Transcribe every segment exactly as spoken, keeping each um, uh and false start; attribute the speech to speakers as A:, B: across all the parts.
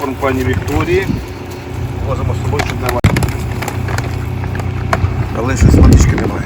A: попкорн пані Вікторії. Возимо з собою, щоб не мати. Але щось водички немає.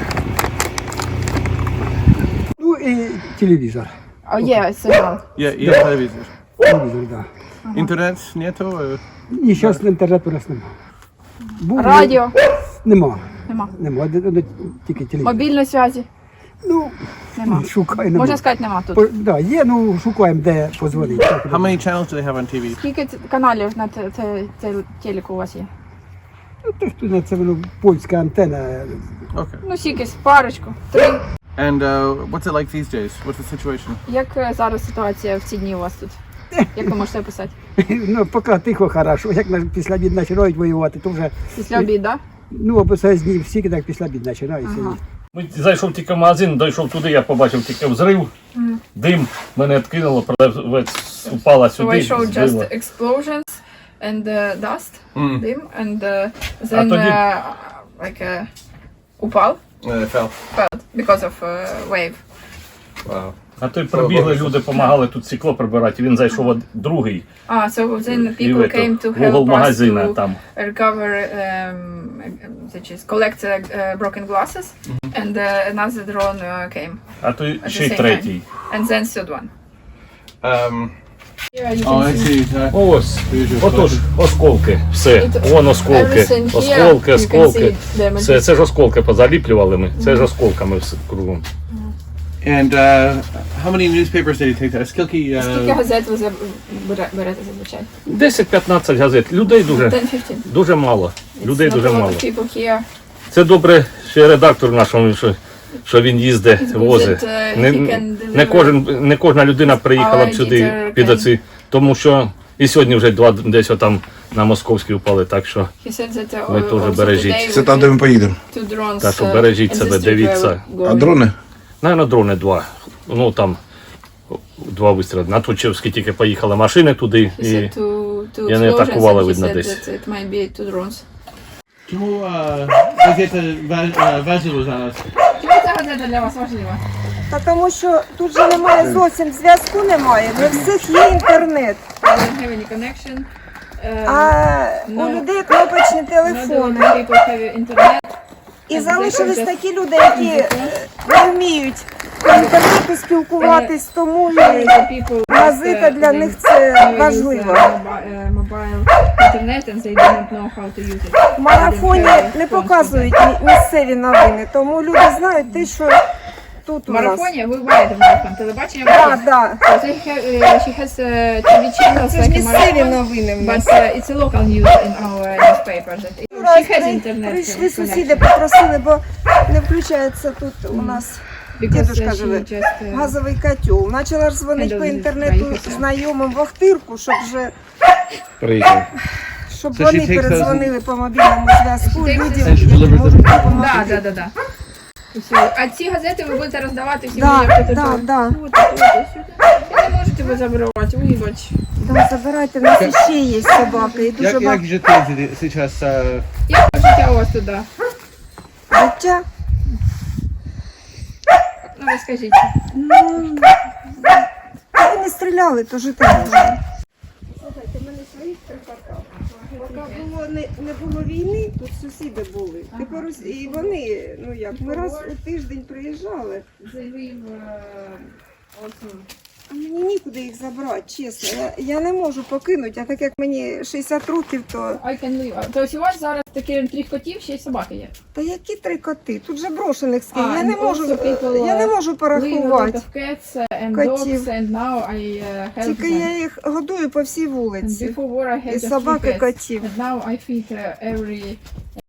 B: Ну і телевізор.
C: А є сигнал.
A: Є, є телевізор.
B: Телевізор, так. Да.
A: Інтернет нету?
B: Ні, зараз інтернету у нас немає. Був,
C: Радіо
B: Нема.
C: нема.
B: Нема, де- де- тільки телевізор.
C: Мобільної зв'язі
B: Ну,
C: нема.
B: шукаємо.
C: Можна сказати, нема тут.
B: По- Да, є, ну шукаємо, де позвонити.
A: How many channels do they have on T V?
C: Скільки ц- каналів на те- те- те- телеку у вас є?
B: Ну, то, що на це воно польська антенна.
A: Okay.
C: Ну, скільки, парочку, три.
A: And uh, what's it like these days? What's the situation?
C: Як е, зараз ситуація в ці дні у вас тут? Як ви можете описати?
B: Ну, поки тихо, хорошо. Як на- після обід починають воювати, то вже,
C: Після обіду, да?
B: ну, описають дні всі, так після обід починаються.
C: Ага.
D: Ми зайшов тільки в магазин, дійшов туди, я побачив тільки взрив, дим, мене відкинуло, продавець упала
C: So I
D: сюди,
C: showed
D: збила.
C: just explosions and uh, dust,
A: Mm.
C: dim, and uh, then
D: тоді-
C: uh, like uh, упав,
A: Uh, it fell.
C: fell because of uh, wave.
A: Wow.
D: А то й прибігли люди, допомагали тут стекло прибирати, він зайшов от другий,
C: Ah, so then
D: і
C: people
D: в
C: came to
D: в угол
C: help us
D: магазина
C: to
D: там.
C: recover, um, such as collect uh, uh, broken glasses, and uh, another drone uh, came,
D: А то й
C: the
D: ще й
C: same
D: третій.
C: and then third one.
A: Um,
C: Yeah, you
A: oh, I see. Uh,
D: Ось, отож, осколки, все,
C: It-
D: вон осколки,
C: everything here,
D: осколки,
C: you can
D: осколки.
C: see damages.
D: Це, це ж осколки позаліплювали ми, це ж осколками все кругом.
A: and uh, how many newspapers did you take that? Скільки,
C: Скільки
A: uh,
C: газет ви заб- бере- берете зазвичай?
D: десять-п'ятнадцять газет, людей дуже,
C: ten-fifteen.
D: дуже мало, людей
C: It's
D: дуже
C: not a lot
D: мало.
C: of people here.
D: Це добре, ще редактор наш, він, що, що він їздить,
C: It's good
D: возить.
C: that, uh,
D: Не,
C: he can
D: не,
C: deliver.
D: кожен, не кожна людина приїхала б
C: Our
D: сюди
C: editor
D: під
C: can-
D: оці, тому що і сьогодні вже два десь там на Московській впали, так що
C: He said that, uh,
D: Ви теж
C: also
D: бережіть.
C: today
A: Це
C: we
A: там, де
C: had
A: ми поїдемо.
C: two drones,
D: Так що
C: uh,
D: бережіть
C: in
D: себе,
C: the street
D: дивіться.
C: where we're
A: А
C: going.
A: дрони?
D: Наверно, дрони два. Ну там два вистріли. На Тучевській тільки поїхали машини туди
C: He
D: і
C: said two, two
D: і вони
C: explosions,
D: атакували,
C: and he
D: видно,
C: said
D: десь.
C: that it might be two drones.
A: Чому газета важливо зараз?
C: Чому ця газета для вас важлива?
E: Та тому що тут же немає зовсім зв'язку, немає. Не всіх є інтернет.
C: I don't have any connection. Uh,
E: А
C: Ну,
E: у людей кнопочні
C: not all
E: телефони.
C: the people have internet.
E: І залишились такі люди, які е, не вміють по інтернету спілкуватись, тому і
C: The people
E: газета
C: that, uh,
E: для
C: they
E: них це
C: use,
E: важливо.
C: uh, mobi- uh, mobile internet and they don't know how to use it.
E: В марафоні не показують мі- місцеві новини, тому люди знають те, що тут
C: В
E: у нас.
C: марафоні ви буваєте в марафон, телебачення
E: Так,
C: марафон.
E: так.
C: So they have, uh, she has uh, ті ві channels
E: Це ж
C: like a
E: місцеві
C: marathon,
E: новини в
C: but
E: нас.
C: uh, it's a local news in our newspaper. That
E: Раз
C: she has
E: при-
C: internet
E: прийшли
C: connection.
E: сусіди, попросили, бо не включається тут у нас
C: Because
E: дідушка
C: uh, she
E: живе.
C: just, uh,
E: Газовий котел. Почала ж дзвонити по інтернету знайомим в Охтирку, щоб вже
D: приїхали.
E: щоб
A: Це
E: вони
A: she takes
E: передзвонили по мобільному зв'язку
C: She takes
E: людям,
A: Це ж
E: які
A: deliver
E: можуть
C: Да,
E: допомогти.
C: да, да, да. Все. А ці газети ви будете роздавати всім
E: Да,
C: людям, хто
E: да,
C: тут?
E: да.
C: От, от, от, сюди. Ви не можете ви забирати, вибач.
E: Да, забирайте, в нас ще є собаки і дуже
A: Як,
E: багато
A: як жити зараз? Uh,
C: Як життя у вас туди?
E: життя.
C: Ну, розкажіть.
E: Ну, коли не стріляли, то жити можна. Слухайте, в мене своїх три квартали. Поки було, не, не було війни, тут сусіди були. Тепер ось- і вони, ну як, ми раз у тиждень приїжджали. А мені нікуди їх забрати, чесно. Я, я не можу покинути, а так як мені шістдесят років, то...
C: I can leave. Тобто у вас зараз такі три котів, ще й собаки є?
E: Та які три коти? Тут же брошених скільки.
C: А,
E: Я не
C: and
E: можу,
C: also people,
E: я не
C: uh,
E: можу
C: Leave a lot
E: порахувати.
C: of cats uh, and
E: Котів.
C: dogs, and now I uh, help
E: Тільки
C: them.
E: я їх годую по всій
C: And
E: вулиці.
C: before war I had
E: І
C: just three
E: собак, і
C: cats.
E: котів.
C: And now I feed uh, every